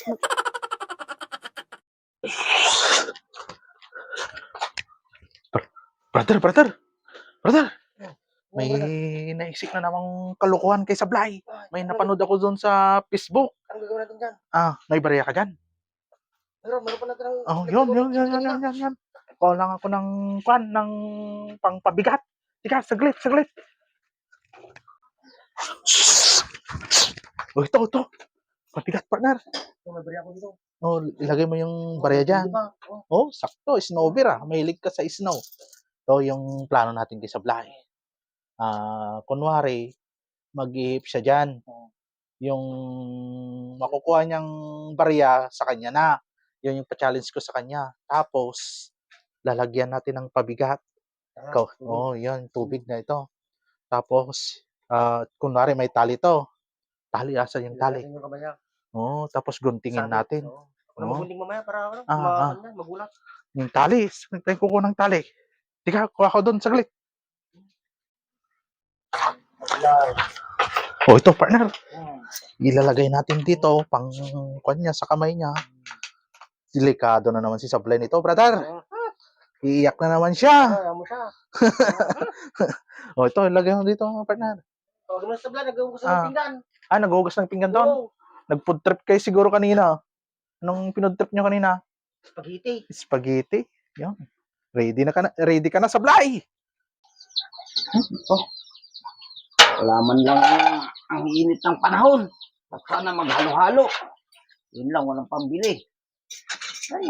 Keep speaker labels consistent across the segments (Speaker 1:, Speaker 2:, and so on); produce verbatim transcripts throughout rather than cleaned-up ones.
Speaker 1: Brother, brother, brother. May naisip na namang kalukuhan kay Sablay. May napanood ako doon sa Facebook.
Speaker 2: Anong gagawin natin dyan?
Speaker 1: Ah, may barya ka dyan?
Speaker 2: Meron, meron pa natin ng...
Speaker 1: Oh, yun, yun, yun, yun, yun, yun, yun. Call lang ako ng kwan, ng pangpabigat. Tika, saglit, saglit. Oh, ito, ito. Pabigat, partner.
Speaker 2: May barya ko dito.
Speaker 1: Oh, ilagay mo yung barya dyan. Oh, sakto, snowber ah. Mahilig ka sa snow. So, yung plano natin kay Sablay. Ah, kunwari, mag-ihip siya dyan. Yung makukuha niyang barya sa kanya na. Yun yung pa-challenge ko sa kanya. Tapos, lalagyan natin ng pabigat. Ikaw, oh, yan, tubig na ito. Tapos, uh, kunwari may tali to. Tali, asa yung tali? Oo, oh, tapos guntingin natin.
Speaker 2: Oo. Ano magunting mamaya para ano,
Speaker 1: Ah,
Speaker 2: ma-
Speaker 1: ah.
Speaker 2: ano yan, magulat.
Speaker 1: Yung tali, tayo kukuha ng tali. Tika, kuha ko doon, saglit. Oh, ito, partner. Ilalagay natin dito, pang kanya sa kamay niya. Delikado na naman si Sablay nito, brother. Iiyak na naman siya.
Speaker 2: Ayaw mo siya.
Speaker 1: Oh, ito, ilagay mo dito, partner.
Speaker 2: O, gano'n sa vlog, nagawin ko sa
Speaker 1: Ah.
Speaker 2: pinggan.
Speaker 1: Ah, naghugas ng pinggan doon?
Speaker 2: Oo.
Speaker 1: Nag-food trip kayo siguro kanina. Anong pinood trip nyo kanina?
Speaker 2: Spaghetti.
Speaker 1: Spaghetti. Yan. Ready na ka na, ready ka na, Sablay.
Speaker 3: Oh. Wala man lang ang init ng panahon. Sana maghalo-halo. Yun lang, walang pambili. Ay.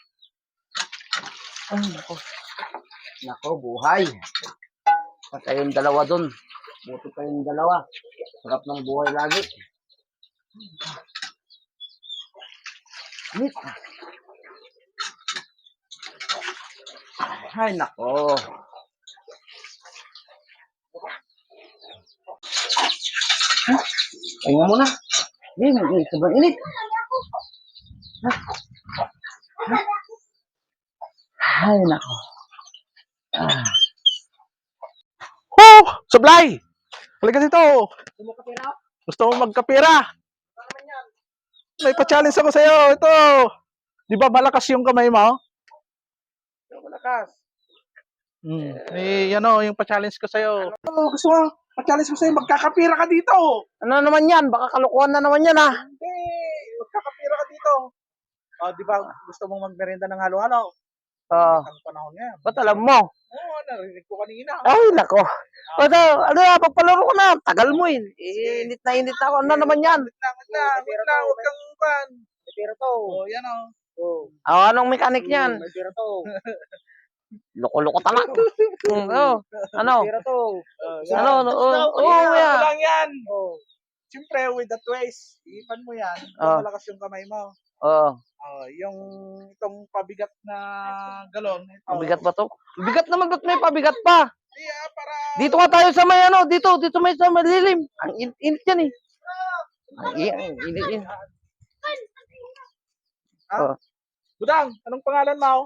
Speaker 3: Ay, nako. Nako, buhay. Pa kayong dalawa dun. Buti kayong dalawa. Sarap ng buhay lagi. Init. Ay, nako. Ha? Tingnan mo na. Hindi, may sobrang init. Ha? Ha? Ay, nako. Ah.
Speaker 1: Oh, Sablay. Halika dito.
Speaker 2: Gusto mo kapira?
Speaker 1: Gusto mo magkapira?
Speaker 2: Ano naman yan?
Speaker 1: May pa-challenge ako sa'yo. Ito. Di ba malakas yung kamay mo?
Speaker 2: Ano malakas?
Speaker 1: Hmm. Eh, ano, yung pa-challenge ko sa'yo. Oh, gusto mo? Pa-challenge ko sa'yo. Magkakapira ka dito.
Speaker 2: Ano naman yan? Baka kalukuhan na naman yan, ah.
Speaker 1: Hindi. Magkakapira ka dito. Oh, di ba gusto mong magmerienda ng halo-halo?
Speaker 2: Ah.
Speaker 1: Ang panahon ngayon.
Speaker 2: Ba't alam mo?
Speaker 1: Oo, narinig ko kanina.
Speaker 2: Ay, nako. Ano, ano na, pagpalaro ko na. Tagal mo eh. Eh, Init na init ako. Ano naman yan?
Speaker 1: Wait lang, wait lang, wait lang, huwag kang pan.
Speaker 2: May pera to.
Speaker 1: Oh, yan oh.
Speaker 2: Oh. Ah, anong mechanic niyan? May pera to. Loko-loko talaga. Mm, oh, ano?
Speaker 1: Pero to.
Speaker 2: Ano, ano, oh, oh, yan.
Speaker 1: lang yan.
Speaker 2: Oh.
Speaker 1: Siyempre, with the twist, ipan mo yan.
Speaker 2: Oh.
Speaker 1: Malakas yung kamay mo.
Speaker 2: Oh.
Speaker 1: Oh, yung itong pabigat na galon. Ito.
Speaker 2: Mabigat ba to? Bigat naman, ba't may pabigat pa?
Speaker 1: Yeah, para...
Speaker 2: Dito nga tayo sa may ano, dito, dito may sa malilim. Ang in- init yan eh. Ang i- ang init yan.
Speaker 1: Ha?
Speaker 2: Oh.
Speaker 1: Budang, anong pangalan mo?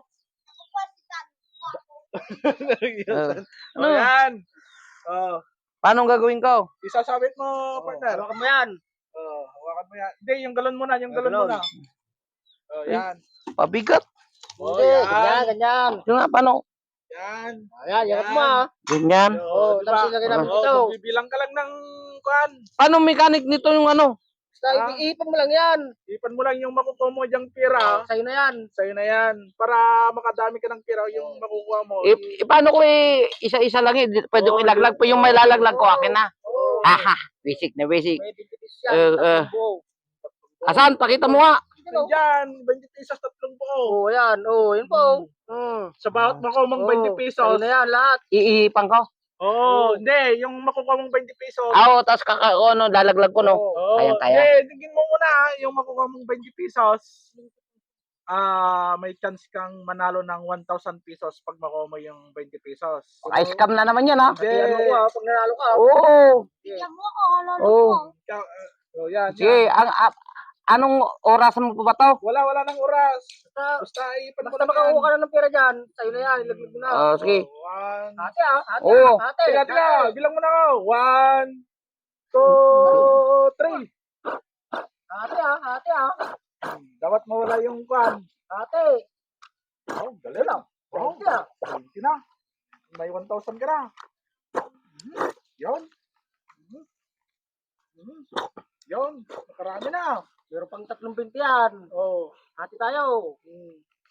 Speaker 2: Uh,
Speaker 1: Oh, yan. Oh,
Speaker 2: Paano gagawin ko?
Speaker 1: isasabit mo, partner.
Speaker 2: Hawakan mo yan.
Speaker 1: Oh, hawakan mo yan. Hindi, yung galon muna, yung galon
Speaker 2: galon.
Speaker 1: muna. Oh, yan.
Speaker 2: Pabigat.
Speaker 1: Oh,
Speaker 2: Hindi,
Speaker 1: yan.
Speaker 2: ganyan, ganyan. Yung nga, paano?
Speaker 1: Yan.
Speaker 2: Ayan, yan mo ah. Ganyan.
Speaker 1: Oo,
Speaker 2: Oh,
Speaker 1: diba?
Speaker 2: tapos ilagay namin
Speaker 1: Oo,
Speaker 2: ito.
Speaker 1: magbibilang ka lang ng kuan.
Speaker 2: Paano mechanic nito yung ano?
Speaker 1: Ah.
Speaker 2: Basta iipon mo lang yan.
Speaker 1: Ipan mo lang yung makukuha mo diyang pira.
Speaker 2: Sa'yo na yan.
Speaker 1: Sa'yo na yan. Para makadami ka ng pira yung makukuha mo.
Speaker 2: I, paano ko eh, isa-isa lang eh. Pwede ko
Speaker 1: Oo,
Speaker 2: ilaglag po yung may lalaglag ko akin na.
Speaker 1: Oo.
Speaker 2: Haha, basic na basic.
Speaker 1: May twenty pesos
Speaker 2: Eh,
Speaker 1: yan.
Speaker 2: eh.
Speaker 1: tatlong buo.
Speaker 2: Asan? Pakita mo nga.
Speaker 1: Nandyan, twenty pesos tatlong buo.
Speaker 2: Oo, yan. Oo, yun po. Mm.
Speaker 1: Sa bawat makuha mong twenty pesos.
Speaker 2: na yan, lahat. Iihipan ko.
Speaker 1: Oo, hindi. Yung makukuha mong twenty pesos.
Speaker 2: Ah, Oo, tapos kaka, o, ano, lalaglag ko, no?
Speaker 1: Oo,
Speaker 2: Kaya, kaya.
Speaker 1: hindi. Tingin mo muna, yung makukuha mong twenty pesos. Ah, may chance kang manalo ng one thousand pesos pag makuha mo yung twenty pesos.
Speaker 2: Ay, scam na naman yan, ha?
Speaker 1: Hindi. Ano ko,
Speaker 2: pag nanalo ka. Oo.
Speaker 4: Bigyan mo ako, halalo
Speaker 2: Oo.
Speaker 4: mo.
Speaker 1: Ikaw, uh, oh, yan,
Speaker 2: Sige,
Speaker 1: yan.
Speaker 2: ang, a- anong oras mo pa ba to?
Speaker 1: Wala, wala ng oras.
Speaker 2: Basta,
Speaker 1: Basta ipan mo
Speaker 2: basta
Speaker 1: lang
Speaker 2: makakuha
Speaker 1: yan.
Speaker 2: ka na ng pera dyan, sa'yo na yan, ilaglag mo na. Oo, sige.
Speaker 1: Oh, one.
Speaker 2: Ate, ah. Ate, Oo. Ate.
Speaker 1: Teka, teka. Bilang mo na ako. One, two, three.
Speaker 2: Ate, ah. Ate, ah.
Speaker 1: mawala yung kwan.
Speaker 3: Ate,
Speaker 1: Oh, dali lang. Oh,
Speaker 3: thank you.
Speaker 1: twenty na. May one thousand ka na. Mhm. Yun. Mhm. Mhm. Yun. Nakarami na.
Speaker 3: Meron pang tatlong binti yan.
Speaker 1: Oh.
Speaker 3: Hati tayo.
Speaker 1: Mm.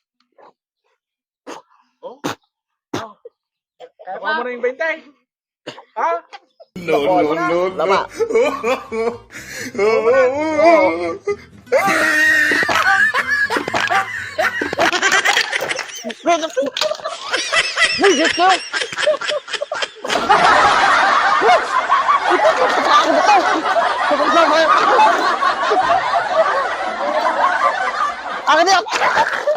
Speaker 1: Oh. Oh.
Speaker 3: Kaya
Speaker 1: Nakuha mo na yung twenty. Ha?
Speaker 2: No, no, no, Lama. Ay, Diyos ko! Akin na!